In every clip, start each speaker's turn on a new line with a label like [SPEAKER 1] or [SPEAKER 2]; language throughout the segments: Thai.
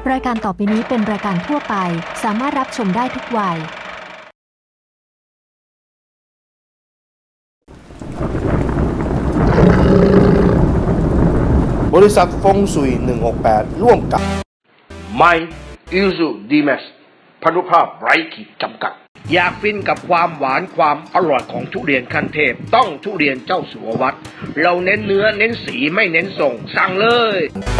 [SPEAKER 1] รายการต่อไปนี้เป็นรายการทั่วไปสามารถรับชมได้ทุกวัย
[SPEAKER 2] บริษัทฟงสุย168ร่วมกับ
[SPEAKER 3] My Isuzu D-Max พานุภาพไร้ขีดจำกัดอยากฟินกับความหวานความอร่อยของทุเรียนขั้นเทพต้องทุเรียนเจ้าสัววัดเราเน้นเนื้อเน้นสีไม่เน้นส่งสั่งเลย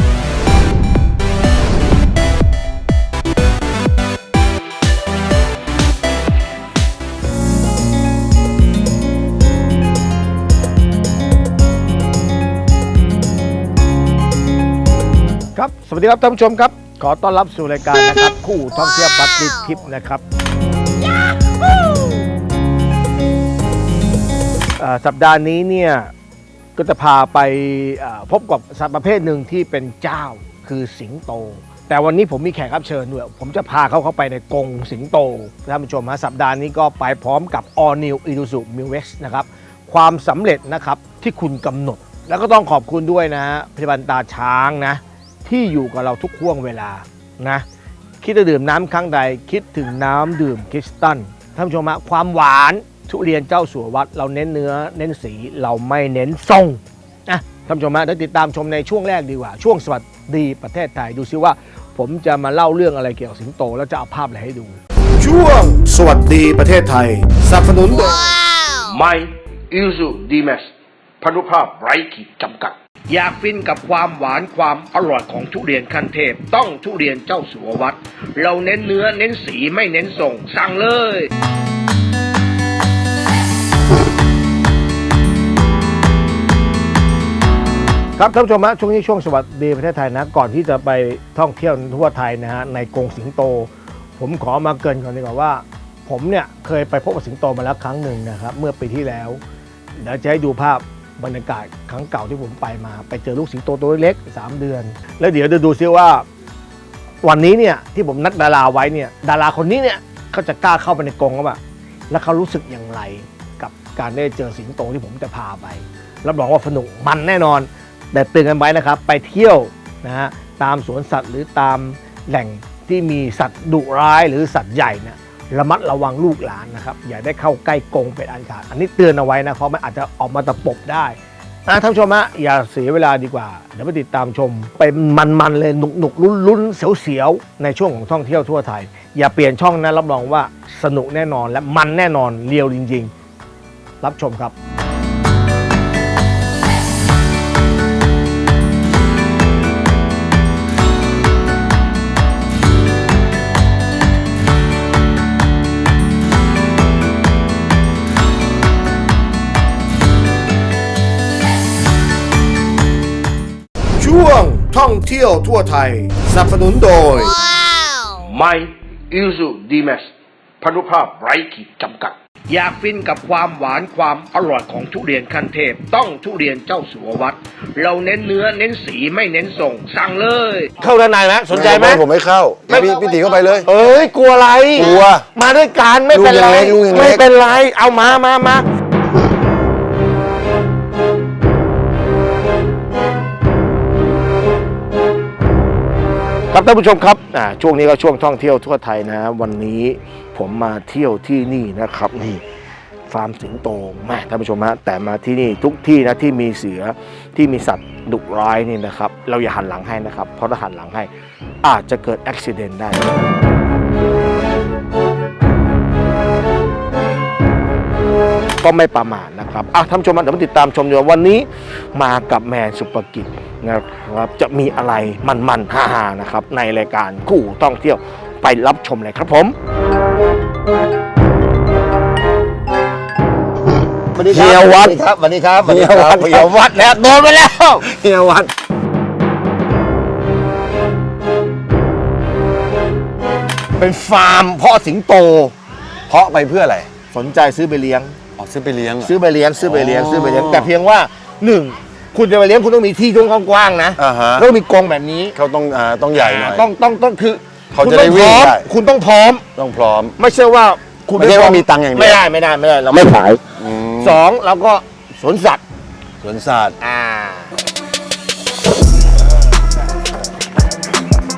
[SPEAKER 4] ครับสวัสดีครับท่านผู้ชมครับขอต้อนรับสู่รายการนะครับคู่ท่องเที่ยวบัตรทิปนะครับสัปดาห์นี้เนี่ยก็จะพาไปพบกับสัตว์ประเภทหนึ่งที่เป็นเจ้าคือสิงโตแต่วันนี้ผมมีแขกรับเชิญด้วยผมจะพาเขาเข้าไปในกรงสิงโตท่านผู้ชมฮะสัปดาห์นี้ก็ไปพร้อมกับ All New Isuzu Mu-X นะครับความสำเร็จนะครับที่คุณกำหนดแล้วก็ต้องขอบคุณด้วยนะฮะพยาบาลตาช้างนะที่อยู่กับเราทุกห่วงเวลานะคิดจะดื่มน้ำครั้งใดคิดถึงน้ำดื่มคริสตัลท่านผู้ชมฮะความหวานทุเรียนเจ้าสัววัดเราเน้นเนื้อเน้นสีเราไม่เน้นทรงนะท่านผู้ชมฮะเดี๋ยวติดตามชมในช่วงแรกดีกว่าช่วงสวัสดีประเทศไทยดูซิว่าผมจะมาเล่าเรื่องอะไรเกี่ยวกับสิงโตแล้วจะเอาภาพอะไรให้ดู
[SPEAKER 2] ช่วงสวัสดีประเทศไทยสนับสนุนโดย
[SPEAKER 3] My Isuzu D-Max พานุภาพไร้ขีดจำกัดอยากฟินกับความหวานความอร่อยของทุเรียนขั้นเทพต้องทุเรียนเจ้าสัววัดเราเน้นเนื้อเน้นสีไม่เน้นส่งสั่งเลย
[SPEAKER 4] ครับท่านผู้ชมฮะช่วงนี้ช่วงสวัสดีประเทศไทยนะก่อนที่จะไปท่องเที่ยวทั่วไทยนะฮะในกรงสิงโตผมขอมาเกริ่นก่อนดีกว่าว่าผมเนี่ยเคยไปพบกับสิงโตมาแล้วครั้งหนึ่งนะครับเมื่อปีที่แล้วเดี๋ยวจะให้ดูภาพบรรยากาศครั้งเก่าที่ผมไปมาไปเจอลูกสิงโตตัวเล็ก3 เดือนแล้วเดี๋ยวจะดูซิว่าวันนี้เนี่ยที่ผมนัดดาราไว้เนี่ยดาราคนนี้เนี่ยเขาจะกล้าเข้าไปในกรงหรือเปล่าแล้วเขารู้สึกอย่างไรกับการได้เจอสิงโตที่ผมจะพาไปรับรองว่าสนุกมันแน่นอนแต่เตือนกันไว้นะครับไปเที่ยวนะฮะตามสวนสัตว์หรือตามแหล่งที่มีสัตว์ดุร้ายหรือสัตว์ใหญ่เนี่ยระมัดระวังลูกหลานนะครับอย่าได้เข้าใกล้กรงเป็นอันขาดอันนี้เตือนเอาไว้นะเพราะมันอาจจะออกมาตะปบได้ท่านผู้ชมฮะอย่าเสียเวลาดีกว่าเดี๋ยวไปติดตามชมไปมันๆเลยหนุกๆลุ้นๆเสียวๆในช่วงของท่องเที่ยวทั่วไทยอย่าเปลี่ยนช่องนะรับรองว่าสนุกแน่นอนและมันแน่นอนเรียวจริงๆรับชมครับ
[SPEAKER 2] ช่วงท่องเที่ยวทั่วไทยสนับสนุนโดย
[SPEAKER 3] My Isuzu D-Max พานุภาพไร้ขีดจำกัดอยากฟินกับความหวานความอร่อยของทุเรียนขั้นเทพต้องทุเรียนเจ้าสัววัดเราเน้นเนื้อเน้นสีไม่เน้นส่งสั่งเลย
[SPEAKER 4] เข้าด้านในไหมสนใจไหม
[SPEAKER 5] ผมไม่เข้าพี่ตีเข้าไปเลย
[SPEAKER 4] เอ้ยกลัวอะไร
[SPEAKER 5] กลัว
[SPEAKER 4] มาด้วยกันไม่เป็นไร
[SPEAKER 5] ลูกยังเล็ก
[SPEAKER 4] ไม่เป็นไรเอามาครับท่านผู้ชมครับช่วงนี้ก็ช่วงท่องเที่ยวทั่วไทยนะวันนี้ผมมาเที่ยวที่นี่นะครับนี่ฟาร์มสิงโตแม่ท่านผู้ชมฮะแต่มาที่นี่ทุกที่นะที่มีเสือที่มีสัตว์ดุร้ายนี่นะครับเราอย่าหันหลังให้นะครับเพราะถ้าหันหลังให้อาจจะเกิดอุบัติเหตุได้ก็ไม่ประมาทนะครับท่านผู้ชมเดี๋ยวมาติดตามชมดูวันนี้มากับแมนสุปกิจนะครับจะมีอะไรมันๆฮ่าๆนะครับในรายการคู่ท่องเที่ยวไปรับชมเลยครับผมเฮียวัด
[SPEAKER 5] ครับวันนี้ครับ
[SPEAKER 4] เฮียวัดแล้วโดนไปแล้ว
[SPEAKER 5] เฮียวัด
[SPEAKER 4] เป็นฟาร์มเพาะสิงโต
[SPEAKER 5] เพาะไปเพื่ออะไร
[SPEAKER 4] สนใจซื้อไปเลี้ยง
[SPEAKER 5] ซื้อไปเลี้ยง
[SPEAKER 4] แต่เพียงว่า1คุณจะไปเลี้ยงคุณต้องมีที่กว้างๆนะแล้วมีกรงแบบนี้
[SPEAKER 5] เขาต้องใหญ่หน่อย
[SPEAKER 4] ต้องคือ
[SPEAKER 5] เขาจะได้วิ่งได้
[SPEAKER 4] คุณต้องพร้อมไม่ใช่ว่าคุณ
[SPEAKER 5] ไม่ใช่ว่ามีตังค์อย่างเดียว
[SPEAKER 4] ไม่ได้เราไม่ขาย2แล้วก็สวนสัตว์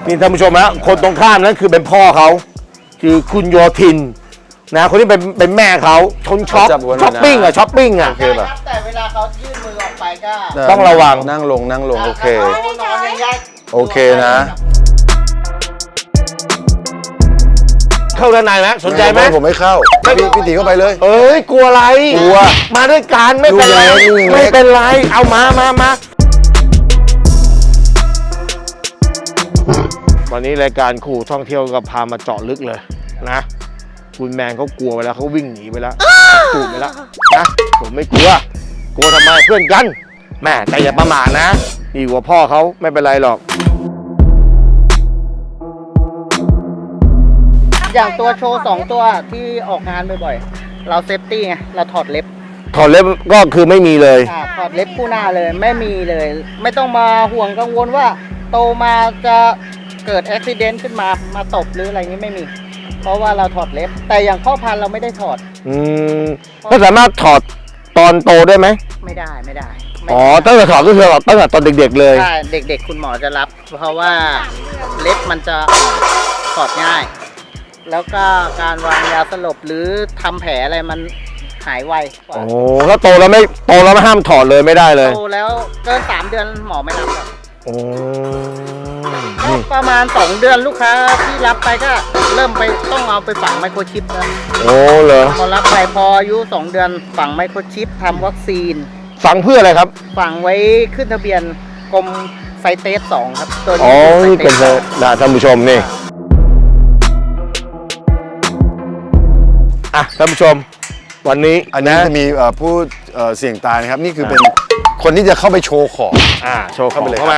[SPEAKER 4] นี่ท่านผู้ชมฮะคนตรงข้ามนั้นคือเป็นพ่อเขาคือคุณโยธินนะคนที่เป็นแม่เขาชนช็อป
[SPEAKER 5] จับหัวหน่อยนะ
[SPEAKER 4] ช้อปปิ้งอะช้อปปิ้งอะ
[SPEAKER 5] โอเคป่ะ
[SPEAKER 6] แต่เวลาเขายื่นมือออกไปก็
[SPEAKER 4] ต้องระวัง
[SPEAKER 5] นั่งลงโอเค
[SPEAKER 6] ถ้าเขานอนอย่างเงี้ย
[SPEAKER 5] โอเคนะ
[SPEAKER 4] เข้าด้านในไหมสนใจไหม
[SPEAKER 5] ผมไม่เข้าพี่ตีเข้าไปเลย
[SPEAKER 4] เอ้ยกลัวอะไร
[SPEAKER 5] กลัว
[SPEAKER 4] มาด้วยกันไม่เป็นไร
[SPEAKER 5] ลูกเล็ก
[SPEAKER 4] ไม่เป็นไรเอามาวันนี้รายการขู่ท่องเที่ยวก็พามาเจาะลึกเลยนะคุณแมนเขากลัวไปแล้วเขาวิ่งหนีไปแล้วตูดไปแล้วนะผมไม่กลัวทำไมเพื่อนกันแม่แต่อย่าประมาทนะดีกว่าพ่อเขาไม่เป็นไรหรอก
[SPEAKER 6] อย่างตัวโชว์2ตัวที่ออกงานบ่อยๆ เราเซฟตี้ไง เราถอดเล็บ
[SPEAKER 4] ถอดเล็บก็คือไม่มีเลย
[SPEAKER 6] ถอดเล็บคู่หน้าเลยไม่มีเลย ไม่ต้องมาห่วงกังวลว่าโตมาจะเกิดอุบัติเหตุขึ้นมาตบหรืออะไรนี้ไม่มี เพราะว่าเราถอดเล็บ แต่อย่างพ่อพันธุ์เราไม่ได้ถอด
[SPEAKER 4] ก็สามารถถอดตอนโตได้ไหม
[SPEAKER 6] ไม่ได้
[SPEAKER 4] อ๋อตั้งแต่ถอดก็คือตั้งแต่ตอนเด็กๆเลย
[SPEAKER 6] ใช่เด็กๆคุณหมอจะรับ เพราะว่าเล็บมันจะถอดง่าย แล้วก็การวางยาสลบหรือทำแผลอะไรมันหายไวกว่า
[SPEAKER 4] โอ้แล้วโตแล้วไม่ห้ามถอดเลยไม่ได้เลย
[SPEAKER 6] โตแล้วเกิน3 เดือนหมอไม่รับหรอก
[SPEAKER 4] โอ้
[SPEAKER 6] ก็ประมาณ2 เดือนลูกค้าที่รับไปก็เริ่มไปต้องเอาไปฝังไมโครชิปแล้ว
[SPEAKER 4] โอ้เหรอ
[SPEAKER 6] พอรับไปพออายุ2 เดือนฝังไมโครชิปทำวัคซีน
[SPEAKER 4] ฝังเพื่ออะไรครับ
[SPEAKER 6] ฝังไว้ขึ้นทะเบียนกรมไซเตส2ครับตัว
[SPEAKER 4] อ๋อ
[SPEAKER 6] นี้
[SPEAKER 4] นี่เป็น
[SPEAKER 6] ไซตส
[SPEAKER 4] นะท่านผู้ชมนี่อ่ะท่านผู้ชมวันนี้
[SPEAKER 5] อันนี้จะมีผู้เสี่ยงตายนะครับ นี่คือเป็นคนที่จะเข้าไปโชว์ของ
[SPEAKER 4] โชว์เข้าไปเลย
[SPEAKER 5] เข้า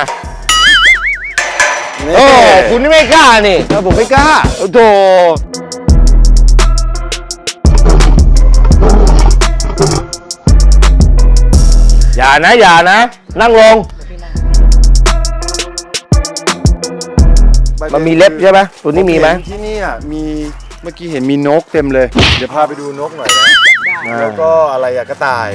[SPEAKER 4] เข้า
[SPEAKER 5] มา
[SPEAKER 4] มา
[SPEAKER 5] นี่
[SPEAKER 4] โอ้คุณนี่ไม่กล้านี่
[SPEAKER 5] ผมไม่กล้า
[SPEAKER 4] โอ้โธอย่านะ นั่งลง มันมีเล็บใช่ไหมตัวนี้มีไหม
[SPEAKER 5] ที่นี่มีเมื่อกี้เห็นมีนกเต็มเลย เดี๋ยวพาไปดูนกหน่อยนะแล้วก็อะไรกระต่าย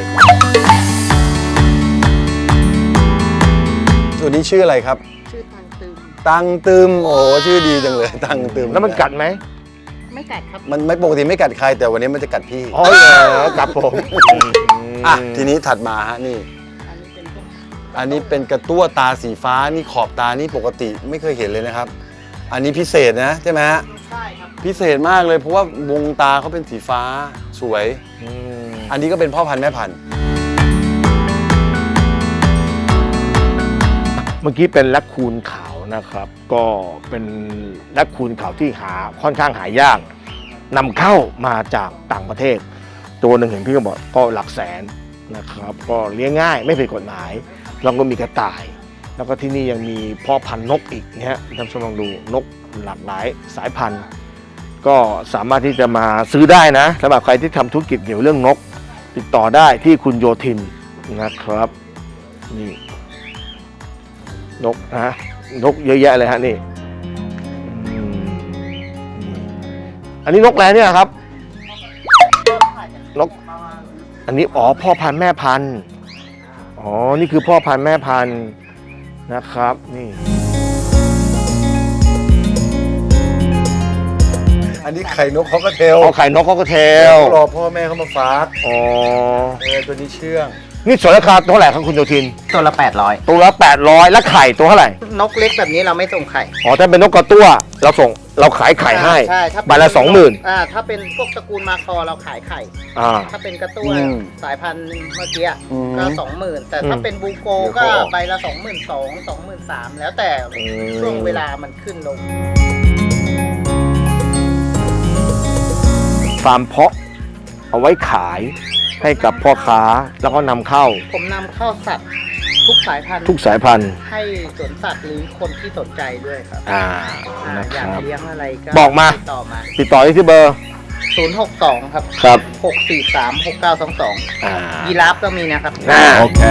[SPEAKER 5] ตัวนี้ชื่ออะไรครับ
[SPEAKER 6] ชื่อตังตึม
[SPEAKER 5] ตังตึมโอ้ชื่อดีจังเลยตังตึม
[SPEAKER 4] แล้วมันกัดไหม
[SPEAKER 6] ไม่กัดครับ
[SPEAKER 5] มันไม่ปกติไม่กัดใครแต่วันนี้มันจะกัดพี่
[SPEAKER 4] อ๋อเหรอกัดผม
[SPEAKER 5] ทีนี้ถัดมาฮะนี่
[SPEAKER 6] อันนี้เป็นพวก
[SPEAKER 5] อันนี้เป็นกระตั้วตาสีฟ้านี่ขอบตานี่ปกติไม่เคยเห็นเลยนะครับ อันนี้พิเศษนะใช่ไหมฮะ
[SPEAKER 6] ใช่ครับ
[SPEAKER 5] พิเศษมากเลยเพราะว่าวงตาเขาเป็นสีฟ้าสวย อันนี้ก็เป็นพ่อพันธุ์แม่พันธุ์
[SPEAKER 4] เมื่อกี้เป็นแรคคูนขาวนะครับ ก็เป็นแรคคูนขาวที่ค่อนข้างหายากนำเข้ามาจากต่างประเทศ ตัวหนึ่งเห็นพี่ก็บอกก็หลักแสนนะครับ ก็เลี้ยงง่ายไม่ผิดกฎหมายแล้วก็มีกระต่าย แล้วก็ที่นี่ยังมีพ่อพันธุ์นกอีกนะฮะท่านผู้ชมลองดูนกหลากหลายสายพันธุ์ ก็สามารถที่จะมาซื้อได้นะสำหรับใครที่ทำธุรกิจเกี่ยวเรื่องนก ติดต่อได้ที่คุณโยธินนะครับนี่นกนะนกเยอะแยะเลยฮะนี่อันนี้นกอะไรเนี่ยครับนกอันนี้อ๋อพ่อพันธุ์แม่พันธุ์อ๋อนี่คือพ่อพันธุ์แม่พันธุ์นะครับนี่
[SPEAKER 5] อันนี้ไข่นกเขาก็เทล
[SPEAKER 4] เอาไข่นกเขาก็เทล
[SPEAKER 5] รอพ่อแม่เขามาฟัก
[SPEAKER 4] อ๋อ
[SPEAKER 5] ตัวนี้เชื่อง
[SPEAKER 4] นี่ส่วนราคาเท่าไหร่ครับคุณโยธิน
[SPEAKER 6] ตัวละ800
[SPEAKER 4] ตัวละ800แล้วไข่ตัวเท่าไหร่
[SPEAKER 6] นกเล็กแบบนี้เราไม่ส่งไข่
[SPEAKER 4] อ๋อถ้าเป็นนกกระตั้วเราขายไข่ให้
[SPEAKER 6] ใช่ถ้าเป็น
[SPEAKER 4] ใบละ 20,000
[SPEAKER 6] ถ้าเป็นพวกตระกูลมาคอเราขายไข่
[SPEAKER 4] อ่า
[SPEAKER 6] ถ้าเป็นกระตั้วสายพันธุ์เมื่อกี้
[SPEAKER 5] อืม
[SPEAKER 6] ก็20,000แต่ถ้าเป็นบูโกก็ใบละ22,000 23,000แล้วแต่ช่วงเวลามันขึ้นลง
[SPEAKER 4] ฟาร์มเพาะเอาไว้ขายให้กับพ่อค้าแล้วก็นำเข้า
[SPEAKER 6] ผมนำเข้าสัตว์ทุกสายพันธุ์
[SPEAKER 4] ทุกสายพันธุ์
[SPEAKER 6] ให้สวนสัตว์หรือคนที่สนใจด้วยครับ
[SPEAKER 4] นะ
[SPEAKER 6] อ
[SPEAKER 4] ค
[SPEAKER 6] ยาก
[SPEAKER 4] รับ
[SPEAKER 6] เลี้ยงอะไรก็
[SPEAKER 4] บอกมา
[SPEAKER 6] ติดต่อมา
[SPEAKER 4] ติดต่อที่เบอร์
[SPEAKER 6] 062 ครับ
[SPEAKER 4] ครับ
[SPEAKER 6] 643 6922 ยีราฟก็มีนะครับ
[SPEAKER 4] โอเค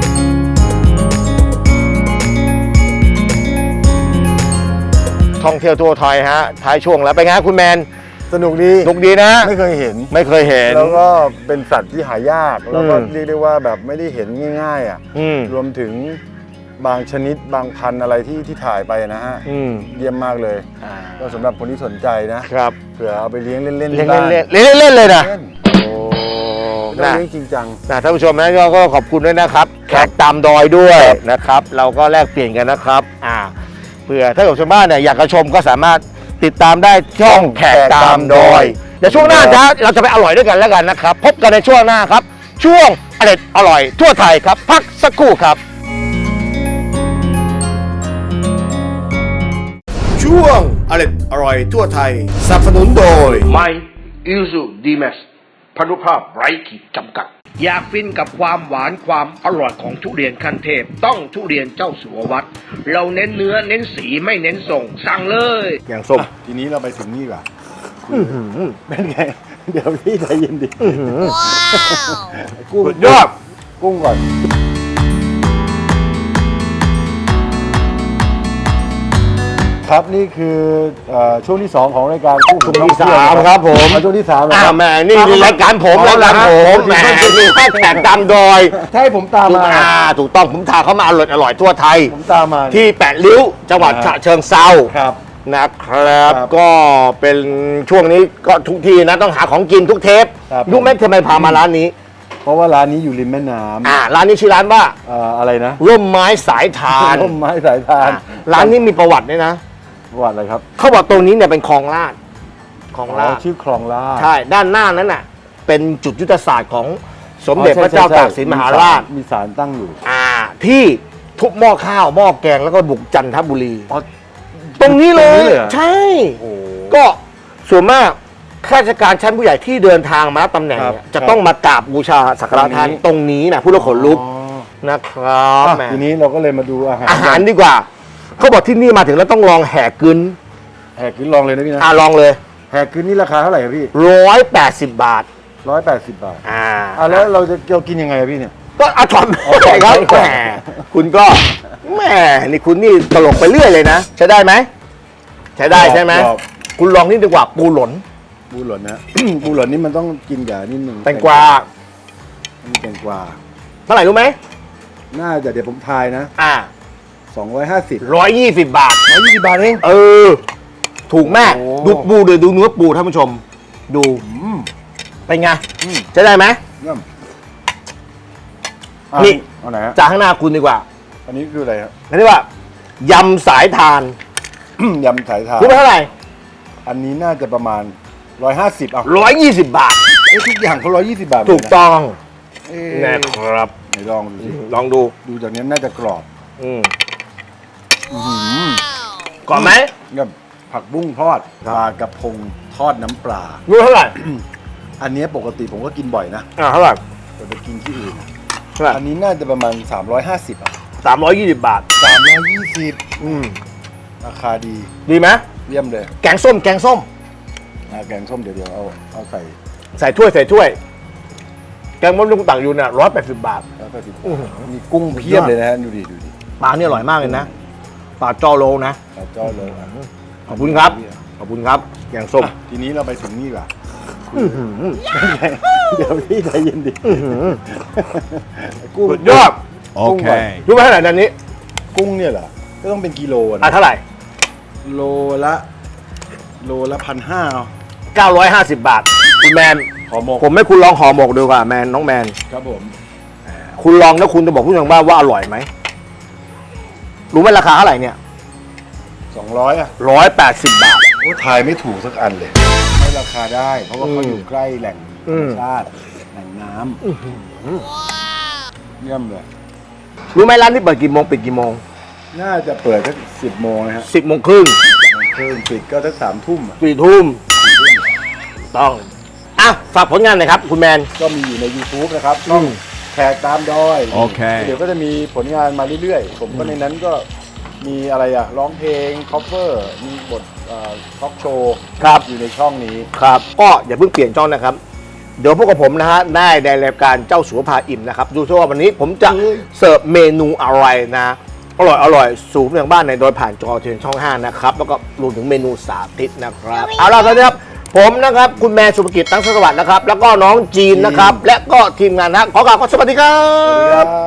[SPEAKER 4] ท่องเที่ยวทั่วไทยฮะท้ายช่วงแล้วไปนไงฮะคุณแมน
[SPEAKER 5] สนุกดี
[SPEAKER 4] สนุกดีนะ
[SPEAKER 5] ไม่เคยเห็น
[SPEAKER 4] ไม่เคยเห็น
[SPEAKER 5] แล้วก็เป็นสัตว์ที่หายาก แล้วก็
[SPEAKER 4] อืม
[SPEAKER 5] เรียกได้ว่าแบบไม่ได้เห็นง่ายๆอ่ะ
[SPEAKER 4] อืม
[SPEAKER 5] รวมถึงบางชนิดบางพันธุ์อะไรที่ถ่ายไปนะฮะ เยี่ยมมากเลย ก็สำหรับคนที่สนใจนะครับ เผื่อเอาไปเลี้ยงเล่นๆ
[SPEAKER 4] เล่น
[SPEAKER 5] ที่บ้าน
[SPEAKER 4] เล่นเล่นเล่นเลยนะ
[SPEAKER 5] เล่น
[SPEAKER 4] โอ้
[SPEAKER 5] ไม่ต้องเลี้ยงจริงจัง
[SPEAKER 4] ท่านผู้ชมนะก็ขอบคุณด้วยนะครับแขกตามดอยด้วยนะครับ เราก็แลกเปลี่ยนกันนะครับเผื่อถ้าเกิดชาวบ้านเนี่ยอยากจะชมก็สามารถติดตามได้ช่องแขกตามดอยเดี๋ยวช่วงหน้าเราจะไปอร่อยด้วยกันแล้วกันนะครับ พบกันในช่วงหน้าครับ ช่วงอร่อยทั่วไทยครับพักสักครู่ครับ
[SPEAKER 2] ช่วงอร่อยทั่วไทยสนับสนุนโดย
[SPEAKER 3] ไม่อิซูดีเมสพนุภาพไร้ขีดจำกัด อยากฟินกับความหวานความอร่อยของทุเรียนขั้นเทพต้องทุเรียนเจ้าสัววัด เราเน้นเนื้อเน้นสีไม่เน้นส่งสั่งเลย
[SPEAKER 4] อย่างส้ม
[SPEAKER 5] ทีนี้เราไปถึงนี่ก่อนเป็นไง เดี๋ยวพี่ใจเย็นดิกุ้ง
[SPEAKER 4] สุดยอด
[SPEAKER 5] กุ้งก่อนครับนี่คือช่วงที่ 2 ของรายการกุ้ง
[SPEAKER 4] ช่วงที่3ครับผม
[SPEAKER 5] ช่วงที่3
[SPEAKER 4] แหมนี่รายการผมรายการผมแหมนี่แขกตามดอย
[SPEAKER 5] ถ้าให้ผมตามมา
[SPEAKER 4] ถูกต้องผมทาเขามาอร่อยทั่วไทย
[SPEAKER 5] ผมตามมา
[SPEAKER 4] ที่8 ริ้วจังหวัดฉะเชิงเทรา
[SPEAKER 5] ครับ
[SPEAKER 4] นะครับ
[SPEAKER 5] ครับ
[SPEAKER 4] ก็เป็นช่วงนี้ก็ทุกทีนะต้องหาของกินทุกเทป
[SPEAKER 5] ครับ
[SPEAKER 4] รู้ไหมทำไมพามาร้านนี้
[SPEAKER 5] เพราะว่าร้านนี้อยู่ริมแม่น้ำ
[SPEAKER 4] ร้านนี้ชื่อร้านว่า
[SPEAKER 5] อะไรนะ
[SPEAKER 4] ร่มไม้สายทาน
[SPEAKER 5] ร่มไม้สายทาน
[SPEAKER 4] ร้านนี้มีประวัติด้วยนะ
[SPEAKER 5] ประวัติอะไรครับ
[SPEAKER 4] เขาบอกตรงนี้เนี่ยเป็นคลองลาดคลองลาด
[SPEAKER 5] ชื่อคลองลาด
[SPEAKER 4] ใช่ด้านหน้านั้นน่ะเป็นจุดยุทธศาสตร์ของสมเด็จพระเจ้าตากสินมหาราช
[SPEAKER 5] มีศาลตั้งอยู่
[SPEAKER 4] ที่ทุบหม้อข้าวหม้อแกงแล้วก็บุกจันทบุรี ตรงนี้เลย
[SPEAKER 5] ตรงนี้เลยเหรอ
[SPEAKER 4] ใช่
[SPEAKER 5] โอ้
[SPEAKER 4] ก็ส่วนมากข้าราชการชั้นผู้ใหญ่ที่เดินทางมารับตำแหน่งเนี่ย
[SPEAKER 5] ครับ
[SPEAKER 4] จะต้องมากราบบูชาสักการะท่านตรงนี้นะผู้ละขนลุก
[SPEAKER 5] อ๋อ
[SPEAKER 4] นะครับแหม
[SPEAKER 5] ทีนี้เราก็เลยมาดูอาหาร
[SPEAKER 4] อาหารดีกว่าเขาบอกที่นี่มาถึงแล้วต้องลองแห่กึน
[SPEAKER 5] แหกขึ้นลองเลยนะพี่นะ
[SPEAKER 4] ลองเลย
[SPEAKER 5] แหกขึ้นนี่ราคาเท่าไหร่ครับพี่
[SPEAKER 4] 180 บาท
[SPEAKER 5] 180 บาท
[SPEAKER 4] อ่า
[SPEAKER 5] แล้วเราจะกินยังไงอะพี่เนี่ย
[SPEAKER 4] ก็เอาถอน
[SPEAKER 5] เอาถ
[SPEAKER 4] ไป
[SPEAKER 5] อน
[SPEAKER 4] ครับ
[SPEAKER 5] ไปก่อน
[SPEAKER 4] แหมคุณก็แหมนี่คุณนี่ตลกไปเรื่อยเลยนะใช้ได้ไหมใช้ได้ใช่ไหม
[SPEAKER 5] กรอบ
[SPEAKER 4] คุณลองนี่ดีกว่าปูหลน
[SPEAKER 5] ปูหล่นนะ ปูหล่นนี่มันต้องกินกับนิดนึง
[SPEAKER 4] แตงกวา
[SPEAKER 5] นี่แตงกวา
[SPEAKER 4] เท่าไหร่รู้ไหม
[SPEAKER 5] น่าจะเดี๋ยวผมทายนะ 250
[SPEAKER 4] 120 บาท
[SPEAKER 5] 120 บาทเอง
[SPEAKER 4] ถูกแม่
[SPEAKER 5] โอ้
[SPEAKER 4] ดูปูดูเนื้อปูท่านผู้ชม ดูเป็นไงใช้ได้ไหม
[SPEAKER 5] เยี่ยม
[SPEAKER 4] นี่
[SPEAKER 5] เอาไหนฮะ
[SPEAKER 4] จากข้างหน้าคุณดีกว่า
[SPEAKER 5] อันนี้คืออะไรครับ
[SPEAKER 4] อันนี้ว่ายำสายทาน
[SPEAKER 5] ยำสายทาน
[SPEAKER 4] รู้ไหมเท่าไหร่
[SPEAKER 5] อันนี้น่าจะประมาณ 150เอา
[SPEAKER 4] 120 บาท
[SPEAKER 5] ทุกอย่างเขา120 บาทหมด
[SPEAKER 4] ถูกต้อง
[SPEAKER 5] เอ๊ะ
[SPEAKER 4] นะครับ
[SPEAKER 5] ไหนลองดูสิ
[SPEAKER 4] ลองดู
[SPEAKER 5] ดูจากนี้น่าจะกรอบ
[SPEAKER 4] ก่อนไหม
[SPEAKER 5] กับผักบุ้งทอดปลากระพงทอดน้ำปลา
[SPEAKER 4] รู้เท่าไหร่
[SPEAKER 5] อันนี้ปกติผมก็กินบ่อยนะ
[SPEAKER 4] เท่าไหร่
[SPEAKER 5] แต่ไปกินที่อื่น
[SPEAKER 4] เท่าไหร่
[SPEAKER 5] อันนี้น่าจะประมาณ 350อ่ะ
[SPEAKER 4] 320 บาท
[SPEAKER 5] 320ราคาดี
[SPEAKER 4] ดีไหม
[SPEAKER 5] เยี่ยมเลย
[SPEAKER 4] แกงส้ม
[SPEAKER 5] แกงส้มเดี๋ยวเอาใส่
[SPEAKER 4] ใส่ถ้วย แกงมะลุงต่างอยู่เนี่ย180 บาท
[SPEAKER 5] แล้วก็มีกุ้งเพียบเลยนะฮะดูดิ
[SPEAKER 4] ปลาเนี่ยอร่อยมากเลยนะ ปลาจอโลนะ
[SPEAKER 5] เอาจ้อเลย
[SPEAKER 4] ขอบคุณครับ ขอบคุณครับ แกงส้ม
[SPEAKER 5] ทีนี้เราไปถึงนี่ก่อนเดี๋ยวพี่ใจเย็นดิกุ้ง
[SPEAKER 4] สุดยอด
[SPEAKER 5] กุ้งก่อน
[SPEAKER 4] รู้ไหมเท่าไหร่ด้านนี้
[SPEAKER 5] กุ้งเนี่ยเหรอก็ต้องเป็นกิโลนะ
[SPEAKER 4] เท่าไหร่
[SPEAKER 5] โลละ1,500เอา
[SPEAKER 4] 950 บาท คุณแมน
[SPEAKER 5] ห่อหมก
[SPEAKER 4] ผมให้คุณลองห่อหมกดูก่อนแมนน้องแมน
[SPEAKER 5] ครับผม
[SPEAKER 4] คุณลองแล้วคุณจะบอกผู้ชมว่าอร่อยไหม รู้ไหมราคาเท่าไหร่เนี่ย
[SPEAKER 5] 200อ่ะ
[SPEAKER 4] 180 บาท
[SPEAKER 5] โอ้ทายไม่ถูกสักอันเลยให้ราคาได้ เพราะว่าเขาอยู่ใกล้แหล่งธรรมชาติแหล่งน้ำเยี่ยมเลย
[SPEAKER 4] รู้ไหมร้านนี้เปิดกี่โมงปิดกี่โมง
[SPEAKER 5] น่าจะเปิดสัก10 โมงนะฮะ
[SPEAKER 4] 10 โมงครึ่ง
[SPEAKER 5] เครื่องปิดก็สัก3 ทุ่มอะ
[SPEAKER 4] 4 ทุ่มต้องฝากผลงานหน่อยครับ คุณแมน
[SPEAKER 5] ก็มีอยู่ใน YouTube นะครับช่องแขกตามดอย
[SPEAKER 2] โอเค
[SPEAKER 5] เดี๋ยวก็จะมีผลงานมาเรื่อยๆ ผมก็ในนั้นก็มีอะไรอะร้องเพลงคอฟเวอร์มีบททอล์กโชว์
[SPEAKER 4] ครับ
[SPEAKER 5] อยู่ในช่องนี้
[SPEAKER 4] ครับ ก็อย่าเพิ่งเปลี่ยนช่องนะครับ เดี๋ยวพวกกับผมนะฮะได้ในรายการเจ้าสัวพาอิ่มนะครับ ดูซิว่าวันนี้ผมจะเสิร์ฟเมนูอะไรนะ อร่อยสูงอย่างบ้านในโดยผ่านจอทีวีช่อง 5 นะครับ แล้วก็รวมถึงเมนูสาธิตนะครับ เอาล่ะตอนนี้ครับ ผมนะครับ คุณแมนสุภกิจตั้งสวัสดิ์นะครับ แล้วก็น้องจีนนะครับ และก็ทีมงานนะขอกล่าวสวัสดีครับ